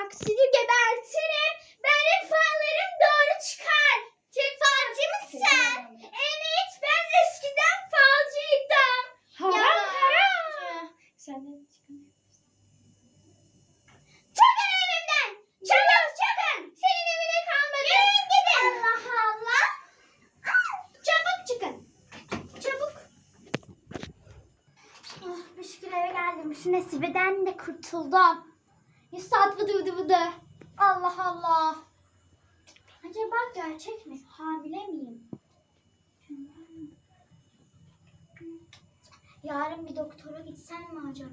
bak sizi gebertirim. Benim fallarım doğru çıkar. Falcı mısın? Evet, ben eskiden falcıydım. Haram. Senden çıkamıyoruz. Çıkın evimden. Çabuk çıkın. Senin evine kalmadım. Yürüyün gidin. Allah Allah. Çabuk çıkın. Çabuk. Oh, bir şükür eve geldim. Şu Nesibe'den de kurtuldum. 100 saat vıdı vıdı vıdı. Allah Allah. Acaba gerçek mi? Hamile miyim? Yarın bir doktora gitsem mi acaba?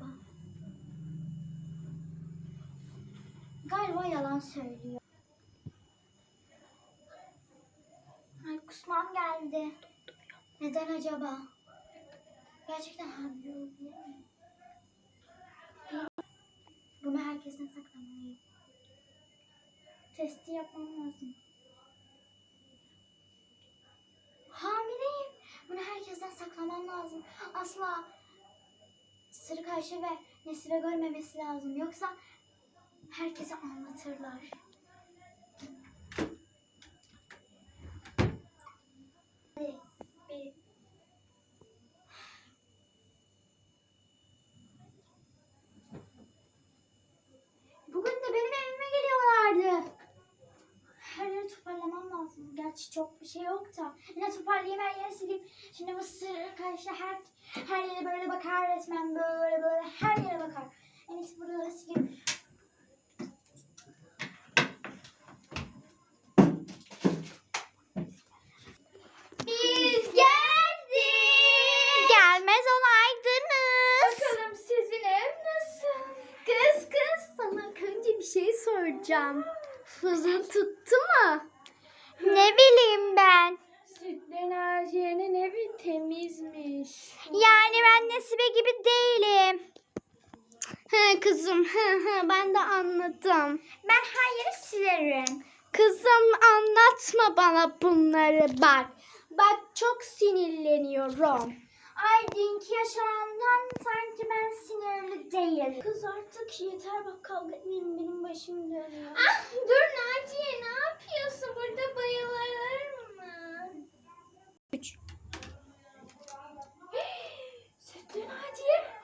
Galiba yalan söylüyor. Ay kusmam geldi. Neden acaba? Gerçekten hamile olabilir miyim? Bunu herkesten saklamalıyım. Testi yapmam lazım. Hamileyim. Bunu herkesten saklamam lazım. Asla Sırık Ayşe ve Nesibe görmemesi lazım. Yoksa herkese anlatırlar. Hadi, bir. Bugün de benim evime geliyorlardı. Her yeri toparlamam lazım. Gerçi çok bir şey yok da. Yine toparlayayım, her yeri sileyim. Şimdi bu Sırık Ayşe her yere böyle bakar resmen. Böyle her yere bakar. En iyisi buraları sileyim. Biz geldik. Gelmez olaydınız. Bakalım sizin ev nasıl? Kız sana önce bir şey soracağım. Fızın tuttu mu? Ne bileyim ben. Sütlü Naciye'nin evi temizmiş. Yani ben Nesibe gibi değilim. Kızım ben de anladım. Ben her yeri silerim. Kızım anlatma bana bunları bak. Bak çok sinirleniyorum. Ay dünkü yaşanandan sanki ben sinirli değilim. Kız artık yeter bak, kavga etmeyin, benim başım dönüyor. Ah dur Naciye, ne yapıyorsun? Burada bayılır mı? 3. Sütlü Naciye.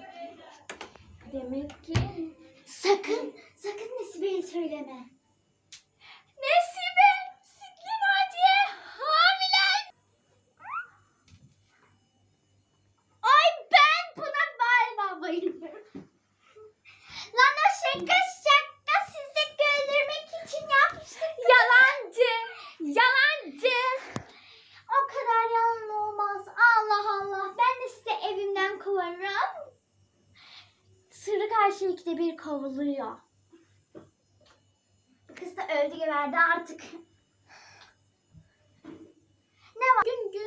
Demek ki Sakın Nesibe'ye söyleme. Nesibe, Sütlü Naciye hamile. Ay ben buna galiba bayılıyorum. Lan o şaka sizi güldürmek için yapmıştık. Yalancı. O kadar yalan olmaz. Allah Allah. Ben de sizi evimden kovarım. Sırrı karşı 2'de 1 kovuluyor. Kız da öldü geberdi artık. Ne var? Gün